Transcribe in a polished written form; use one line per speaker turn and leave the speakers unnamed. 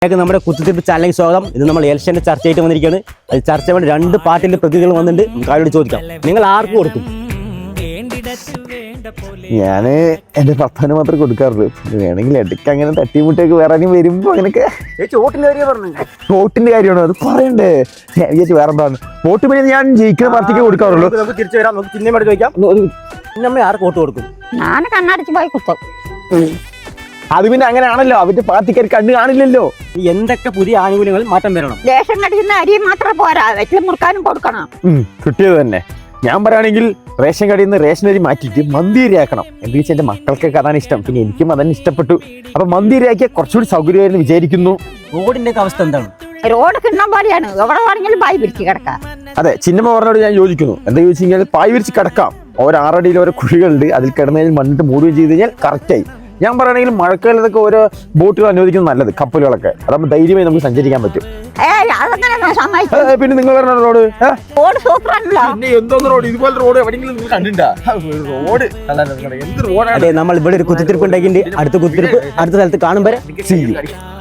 നമ്മുടെ കുത്തിത്തിരിപ്പ് ചാനലിലേക്ക് സ്വാഗതം. ഇത് നമ്മൾ ഇലക്ഷന്റെ ചർച്ചയായിട്ട് വന്നിരിക്കുകയാണ്. അത് ചർച്ച വേണ്ടി 2 പാർട്ടിന്റെ പ്രതിനിധികൾ വന്നിട്ടുണ്ട്. നമുക്ക് അവരോട് ചോദിക്കാം, നിങ്ങൾ ആർക്ക് കൊടുക്കും?
ഞാന് എന്റെ പപ്പന് മാത്രമേ കൊടുക്കാറുള്ളൂ. വേണമെങ്കിൽ ഇടയ്ക്ക് അങ്ങനെ തട്ടിമുട്ടൊക്കെ വേറെ വരുമ്പോ അങ്ങനെയൊക്കെ വോട്ടിന്റെ കാര്യമാണോ അത് പറയണ്ടേ? ഞാൻ വിചാരിച്ചു വേറെ എന്താണ് വോട്ട് പിന്നെ ഞാൻ ജയിക്കുന്ന പാർട്ടിക്ക് കൊടുക്കാറുള്ളൂ.
നമുക്ക് തിരിച്ചു വരാം. നമുക്ക് ചിഹ്നം ചോദിക്കാം, നമ്മൾ ആർക്ക് വോട്ട് കൊടുക്കും?
ഞാൻ കണ്ണടിച്ച് പോയി കുത്തും.
അത് പിന്നെ അങ്ങനെയാണല്ലോ, അവന്റെ പാർട്ടിക്കാർ കണ്ണ് കാണില്ലല്ലോ.
എന്തൊക്കെ പുതിയ ആനുകൂല്യങ്ങൾ മാറ്റം വരണം?
ദേശം കടിക്കുന്ന അരി മാത്രം പോരാ, വെറ്റിലും മുറുക്കാനും കൊടുക്കണം.
കിട്ടിയത് തന്നെ. ഞാൻ പറയുകയാണെങ്കിൽ റേഷൻ കടയിൽ നിന്ന് റേഷൻ അരി മാറ്റിയിട്ട് മന്തിരി ആക്കണം. എന്താ വെച്ചാൽ എന്റെ മക്കൾക്കൊക്കെ അതാണ് ഇഷ്ടം, പിന്നെ എനിക്കും അതന്നെ ഇഷ്ടപ്പെട്ടു. അപ്പൊ മന്തിരി ആക്കിയാൽ കുറച്ചുകൂടി സൗകര്യമായിരുന്നു വിചാരിക്കുന്നു.
റോഡിന്റെ അവസ്ഥ എന്താണ്?
റോഡ് കിണ്ണം പോലെയാണ്, എവിടെ വേണമെങ്കിലും ബായി പിടിച്ച് കിടക്കാം.
അതെ, ചിന്നമ്മ പറഞ്ഞോട് ഞാൻ യോജിക്കുന്നു. എന്താ ചോദിച്ചു കഴിഞ്ഞാൽ പായ് വിരിച്ച് കിടക്കാം. ഓരോ 6 അടിയിൽ ഓരോ കുഴികളുണ്ട്, അതിൽ കിടന്നതിൽ മണ്ണിട്ട് മൂടുകയും ചെയ്ത് കഴിഞ്ഞാൽ കറക്റ്റായി. ഞാൻ പറയുകയാണെങ്കിൽ മഴക്കാലത്തൊക്കെ ഓരോ ബോട്ടുകൾ അനുവദിക്കുന്നത് നല്ലത്, കപ്പലുകളൊക്കെ. അതാകുമ്പോൾ ധൈര്യമായി നമുക്ക് സഞ്ചരിക്കാൻ പറ്റും. പിന്നെ നിങ്ങൾ പറഞ്ഞ റോഡ് എന്തോന്ന് റോഡ്, ഇതുപോലെ റോഡ് എവിടെയെങ്കിലും നിങ്ങൾ കണ്ടിട്ടുണ്ടോ? റോഡ് എന്ത് റോഡാണ്?
അതെ, നമ്മൾ ഇവിടെ ഒരു കുത്തിത്തിരിപ്പ് ഉണ്ടാക്കിയിട്ട് അടുത്ത കുത്തിത്തിരിപ്പ് അടുത്ത സ്ഥലത്ത് കാണുമ്പോൾ